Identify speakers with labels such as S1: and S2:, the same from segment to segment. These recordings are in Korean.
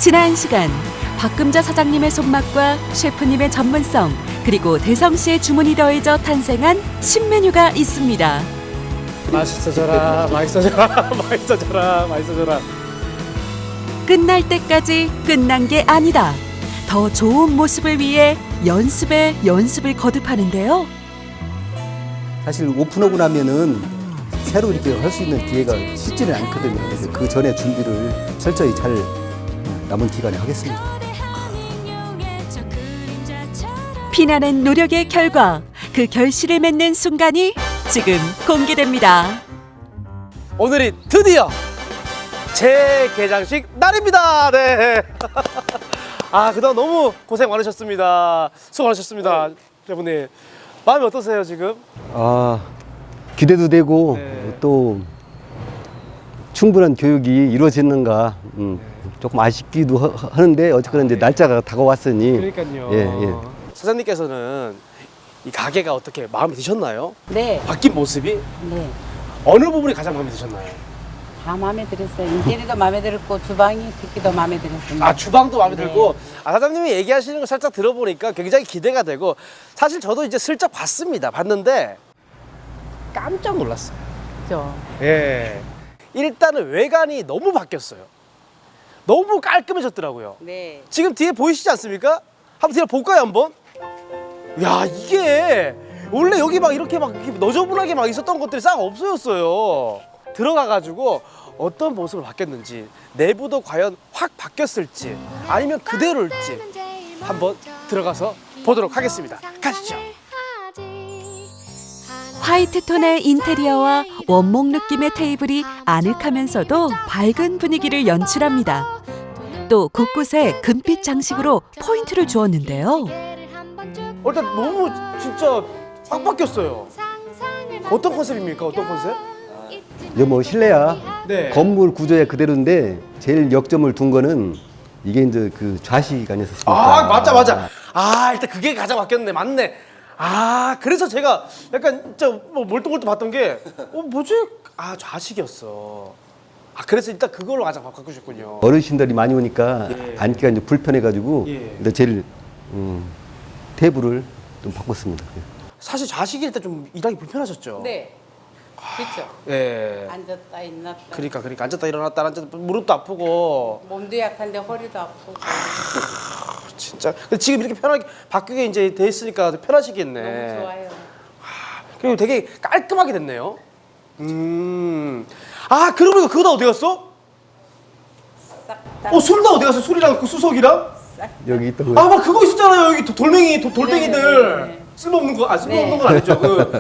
S1: 지난 시간 박금자 사장님의 손맛과 셰프님의 전문성 그리고 대성 씨의 주문이 더해져 탄생한 신메뉴가 있습니다.
S2: 맛있어져라, 맛있어져라, 맛있어져라, 맛있어져라.
S1: 끝날 때까지 끝난 게 아니다. 더 좋은 모습을 위해 연습에 연습을 거듭하는데요.
S3: 사실 오픈하고 나면은 새로 이렇게 할 수 있는 기회가 쉽지는 않거든요. 그래서 그 전에 준비를 철저히 잘 남은 기간에 하겠습니다.
S1: 피나는 노력의 결과 그 결실을 맺는 순간이 지금 공개됩니다.
S2: 오늘이 드디어 제 개장식 날입니다. 네. 아, 그동안 너무 고생 많으셨습니다. 수고 많으셨습니다. 여러분들 마음이 어떠세요 지금?
S3: 아, 기대도 되고
S2: 네.
S3: 또 충분한 교육이 이루어지는가 조금 아쉽기도 하는데 어쨌거나 이제 날짜가 다가왔으니
S2: 그러니까요.
S3: 예, 예.
S2: 사장님께서는 이 가게가 어떻게 마음에 드셨나요?
S4: 네,
S2: 바뀐 모습이
S4: 네.
S2: 어느 부분이 가장 마음에 드셨나요?
S4: 다 마음에 들었어요. 인테리어도 마음에 들었고 주방이 듣기도 마음에 들었습니다.
S2: 아, 주방도 마음에
S4: 네.
S2: 들고, 아, 사장님이 얘기하시는 거 살짝 들어보니까 굉장히 기대가 되고, 사실 저도 이제 슬쩍 봤는데 깜짝 놀랐어요.
S4: 그렇죠.
S2: 예. 일단은 외관이 너무 바뀌었어요. 너무 깔끔해졌더라고요.
S4: 네.
S2: 지금 뒤에 보이시지 않습니까? 한번 뒤에 볼까요, 한번? 야, 이게 원래 여기 막 이렇게 너저분하게 막 있었던 것들이 싹 없어졌어요. 들어가가지고 어떤 모습을 바뀌었는지, 내부도 과연 확 바뀌었을지 아니면 그대로일지 한번 들어가서 보도록 하겠습니다. 가시죠.
S1: 화이트 톤의 인테리어와 원목 느낌의 테이블이 아늑하면서도 밝은 분위기를 연출합니다. 또 곳곳에 금빛 장식으로 포인트를 주었는데요.
S2: 일단 너무 진짜 확 바뀌었어요. 어떤 컨셉입니까? 어떤 컨셉?
S3: 이제 뭐 실내야
S2: 네.
S3: 건물 구조야 그대로인데 제일 역점을 둔 거는 이게 이제 그 좌식 아니었습니까?
S2: 아, 맞아. 아, 일단 그게 가장 바뀌었네. 맞네. 아, 그래서 제가 약간 진짜 뭐 멀뚱멀뚱 봤던 게 뭐지? 아, 좌식이었어. 아, 그래서 일단 그걸로 가장 바꾸셨군요.
S3: 어르신들이 많이 오니까
S2: 예.
S3: 앉기가 이제 불편해가지고
S2: 예.
S3: 근데 제일 테이블을 좀 바꿨습니다.
S2: 사실 좌식일 때 좀 일하기 불편하셨죠?
S4: 네. 그렇죠.
S2: 예.
S4: 앉았다 일어났다.
S2: 그러니까 앉았다 일어났다 앉았다 무릎도 아프고
S4: 몸도 약한데 허리도 아프고.
S2: 진짜. 근데 지금 이렇게 편하게 바뀌게 이제 돼 있으니까 편하시겠네.
S4: 너무 좋아요.
S2: 그리고 되게 깔끔하게 됐네요. 아, 그러고 보니까 그거 다 어디 갔어?
S4: 싹 다.
S2: 술 다 어디 갔어? 술이랑 그 수석이랑?
S3: 여기 있던 거.
S2: 아, 막 그거 있었잖아요. 여기 돌멩이들.
S4: 네.
S2: 쓸모없는 거, 쓸모없는
S4: 네.
S2: 건 아니죠.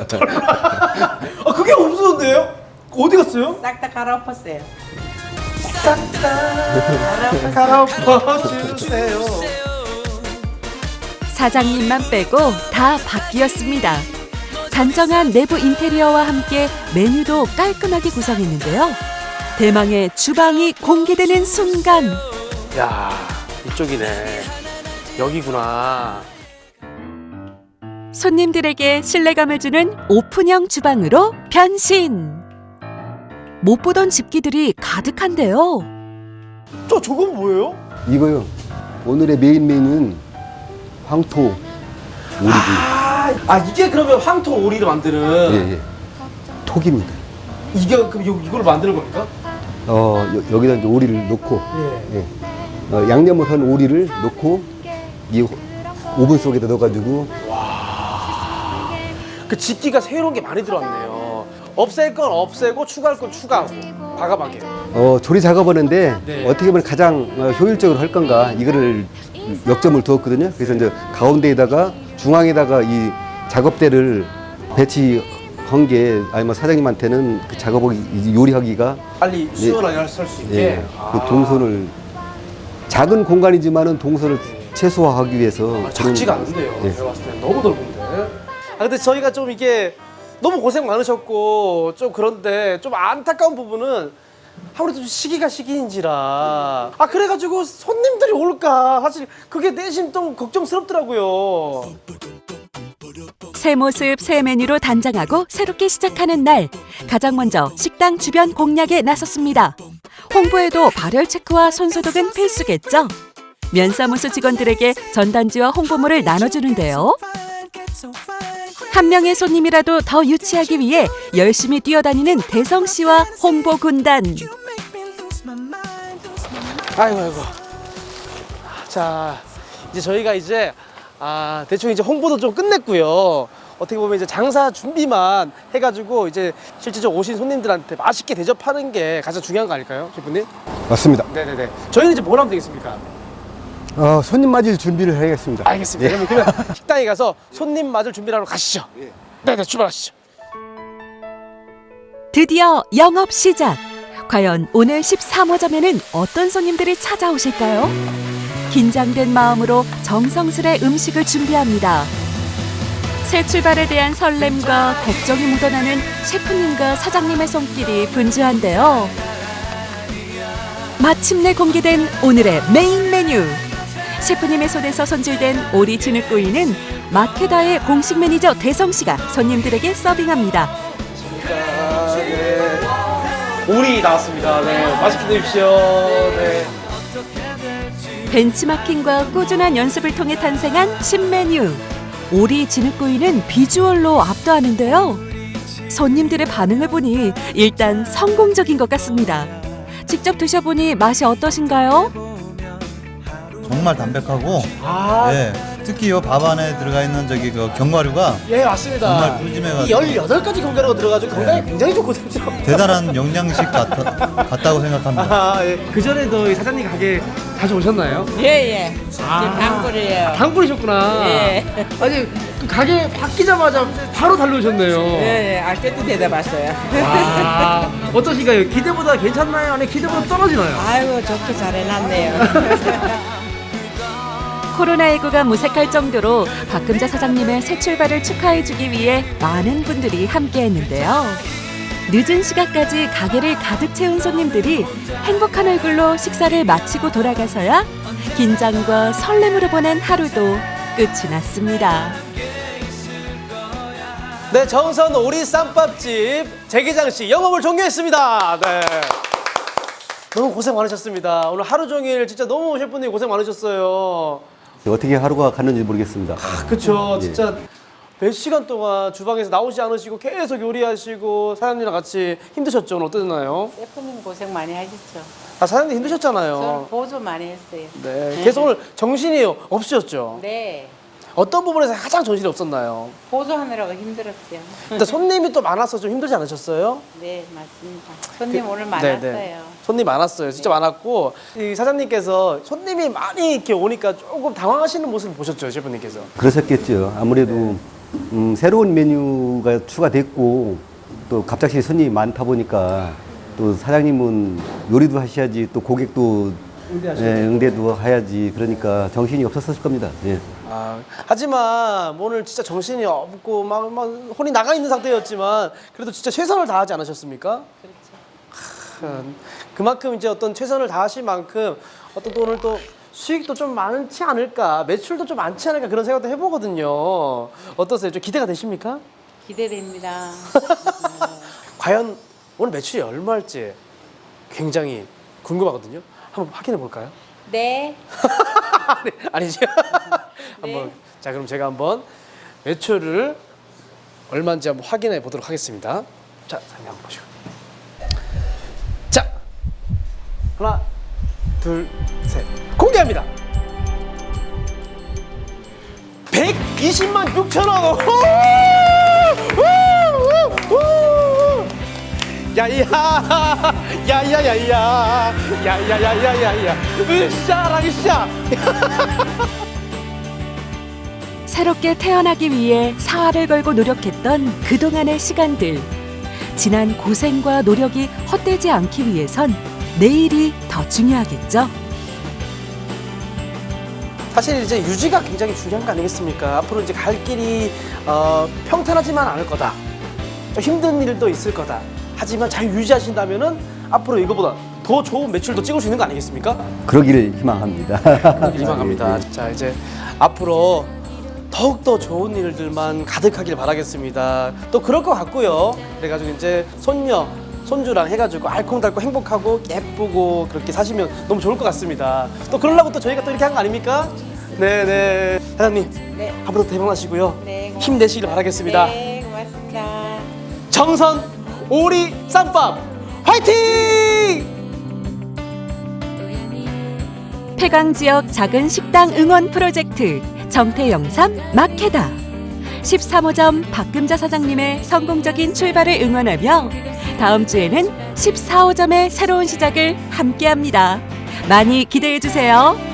S2: 그게 없었는데요? 어디 갔어요?
S4: 싹 다 갈아엎었어요.
S2: 갈아엎어주세요.
S1: 사장님만 빼고 다 바뀌었습니다. 단정한 내부 인테리어와 함께 메뉴도 깔끔하게 구성했는데요. 대망의 주방이 공개되는 순간
S2: 야, 이쪽이네. 여기구나.
S1: 손님들에게 신뢰감을 주는 오픈형 주방으로 변신. 못 보던 집기들이 가득한데요.
S2: 저건 뭐예요?
S3: 이거요. 오늘의 메인 메뉴는 황토 오리지.
S2: 이게 그러면 황토 오리를 만드는
S3: 예. 톡입니다.
S2: 이게 그럼 이걸 만드는 겁니까?
S3: 여기다 이제 오리를 넣고
S2: 예.
S3: 예. 양념을 한 오리를 넣고 이 오븐 속에다 넣어가지고
S2: 그 집기가 새로운 게 많이 들어왔네요. 없앨 건 없애고 추가할 건 추가하고 과감하게.
S3: 조리 작업하는데
S2: 네.
S3: 어떻게 보면 가장 효율적으로 할 건가 이거를 역점을 두었거든요. 그래서 이제 가운데에다가 중앙에다가 이 작업대를 배치한 게 아니면 사장님한테는 그 작업을 이제 요리하기가
S2: 빨리 수월하게 할 수 있게.
S3: 예, 그 동선을 작은 공간이지만은 동선을 최소화하기 위해서
S2: 작지가 않은데요.
S3: 예.
S2: 제가 봤을 때 너무 넓은데. 근데 저희가 좀 이게 너무 고생 많으셨고 좀 그런데 좀 안타까운 부분은 아무래도 좀 시기가 시기인지라 그래가지고 손님들이 올까 사실 그게 내심 좀 걱정스럽더라고요.
S1: 새 모습 새 메뉴로 단장하고 새롭게 시작하는 날 가장 먼저 식당 주변 공략에 나섰습니다. 홍보에도 발열 체크와 손소독은 필수겠죠. 면사무소 직원들에게 전단지와 홍보물을 나눠주는데요. 한 명의 손님이라도 더 유치하기 위해 열심히 뛰어다니는 대성 씨와 홍보 군단.
S2: 아이고. 자, 이제 저희가 대충 이제 홍보도 좀 끝냈고요. 어떻게 보면 이제 장사 준비만 해가지고 이제 실제적으로 오신 손님들한테 맛있게 대접하는 게 가장 중요한 거 아닐까요, 셰프님?
S3: 맞습니다.
S2: 네네네. 저희는 이제 뭘 하면 되겠습니까?
S3: 손님 맞을 준비를 해야겠습니다.
S2: 알겠습니다.
S3: 예.
S2: 그러면 식당에 가서 손님 맞을 준비를 하러 가시죠. 네네, 출발하시죠.
S1: 드디어 영업 시작. 과연 오늘 13호점에는 어떤 손님들이 찾아오실까요? 긴장된 마음으로 정성스레 음식을 준비합니다. 새 출발에 대한 설렘과 걱정이 묻어나는 셰프님과 사장님의 손길이 분주한데요. 마침내 공개된 오늘의 메인 메뉴. 셰프님의 손에서 손질된 오리 진흙구이는 마케다의 공식 매니저 대성 씨가 손님들에게 서빙합니다.
S2: 네. 오리 나왔습니다. 네, 맛있게 드십시오. 네.
S1: 벤치마킹과 꾸준한 연습을 통해 탄생한 신메뉴. 오리 진흙구이는 비주얼로 압도하는데요. 손님들의 반응을 보니 일단 성공적인 것 같습니다. 직접 드셔보니 맛이 어떠신가요?
S5: 정말 담백하고
S2: 아,
S5: 예, 특히 이 밥 안에 들어가 있는 그 견과류가
S2: 예, 맞습니다.
S5: 정말 푸짐해가지고.
S2: 이 18가지 견과류가 들어가지고 건강에 굉장히 좋거든요.
S5: 대단한 영양식 같다고 생각합니다.
S2: 아, 예. 그 전에도 이 사장님 가게 자주 오셨나요?
S6: 예. 지금 단골이에요.
S2: 단골이셨구나.
S6: 예.
S2: 아니, 그 가게 바뀌자마자 바로 달려오셨네요.
S6: 예. 아껴도 대답하셔요.
S2: 와, 어떠신가요? 기대보다 괜찮나요? 아니, 기대보다 떨어지나요?
S6: 아이고, 좋게 잘 해놨네요.
S1: 코로나19가 무색할 정도로 박금자 사장님의 새 출발을 축하해주기 위해 많은 분들이 함께했는데요. 늦은 시간까지 가게를 가득 채운 손님들이 행복한 얼굴로 식사를 마치고 돌아가서야 긴장과 설렘으로 보낸 하루도 끝이 났습니다.
S2: 네, 정선 오리 쌈밥집 재기장 씨 영업을 종료했습니다. 네. 너무 고생 많으셨습니다. 오늘 하루 종일 진짜 너무 셰프님 고생 많으셨어요.
S3: 어떻게 하루가 갔는지 모르겠습니다.
S2: 그쵸.
S3: 예.
S2: 진짜 몇 시간 동안 주방에서 나오지 않으시고 계속 요리하시고 사장님이랑 같이 힘드셨죠? 오늘 어떠셨나요?
S4: 셰프님 고생 많이 하셨죠.
S2: 아, 사장님
S4: 저는
S2: 힘드셨잖아요.
S4: 보조 많이 했어요.
S2: 네. 계속 오늘 정신이 없으셨죠?
S4: 네.
S2: 어떤 부분에서 가장 정신이 없었나요?
S4: 보조하느라고 힘들었어요.
S2: 일단 손님이 또 많아서 좀 힘들지 않으셨어요?
S4: 네, 맞습니다. 손님 오늘 많았어요.
S2: 네네. 손님 많았어요. 진짜 많았고 이 사장님께서 손님이 많이 이렇게 오니까 조금 당황하시는 모습을 보셨죠, 셰프님께서?
S3: 그러셨겠죠. 아무래도 새로운 메뉴가 추가됐고 또 갑작스레 손님이 많다 보니까 또 사장님은 요리도 하셔야지 또 고객도 응대도 해야지 그러니까 정신이 없었을 겁니다. 예.
S2: 아, 하지만 오늘 진짜 정신이 없고 막 혼이 나가 있는 상태였지만 그래도 진짜 최선을 다하지 않으셨습니까? 그렇죠. 그만큼 이제 어떤 최선을 다하신 만큼 어떤 또 오늘 또 수익도 좀 많지 않을까, 매출도 좀 많지 않을까 그런 생각도 해보거든요. 어떠세요? 좀 기대가 되십니까?
S4: 기대됩니다.
S2: 과연 오늘 매출이 얼마일지 굉장히 궁금하거든요. 한번 확인해 볼까요?
S4: 네.
S2: 아니죠?
S4: 네.
S2: 한번 자 그럼 제가 한번 매출을 얼마인지 한번 확인해 보도록 하겠습니다. 자, 사장님 한번 보시고. 자, 하나, 둘, 셋, 공개합니다. 120만 6천 원. 야야야야야야야야야야야 으쌰라기쌰.
S1: 새롭게 태어나기 위해 사활을 걸고 노력했던 그동안의 시간들. 지난 고생과 노력이 헛되지 않기 위해선 내일이 더 중요하겠죠.
S2: 사실 이제 유지가 굉장히 중요한 거 아니겠습니까? 앞으로 이제 갈 길이 평탄하지만 않을 거다. 좀 힘든 일도 있을 거다. 하지만 잘 유지하신다면은 앞으로 이거보다 더 좋은 매출도 찍을 수 있는 거 아니겠습니까?
S3: 그러기를 희망합니다.
S2: 희망합니다. 자, 이제 앞으로 더욱더 좋은 일들만 가득하길 바라겠습니다. 또 그럴 것 같고요. 그래가지고 이제 손녀 손주랑 해가지고 알콩달콩 행복하고 예쁘고 그렇게 사시면 너무 좋을 것 같습니다. 또 그러려고 또 저희가 또 이렇게 한 거 아닙니까? 네네. 사장님,
S4: 네.
S2: 앞으로 대박 나시고요.
S4: 네, 고맙습니다.
S2: 힘내시길 바라겠습니다.
S4: 네, 고맙습니다.
S2: 정선 오리 쌈밥 화이팅!
S1: 폐강 지역 작은 식당 응원 프로젝트 정태영삼 마케다. 13호점 박금자 사장님의 성공적인 출발을 응원하며 다음 주에는 14호점의 새로운 시작을 함께합니다. 많이 기대해 주세요.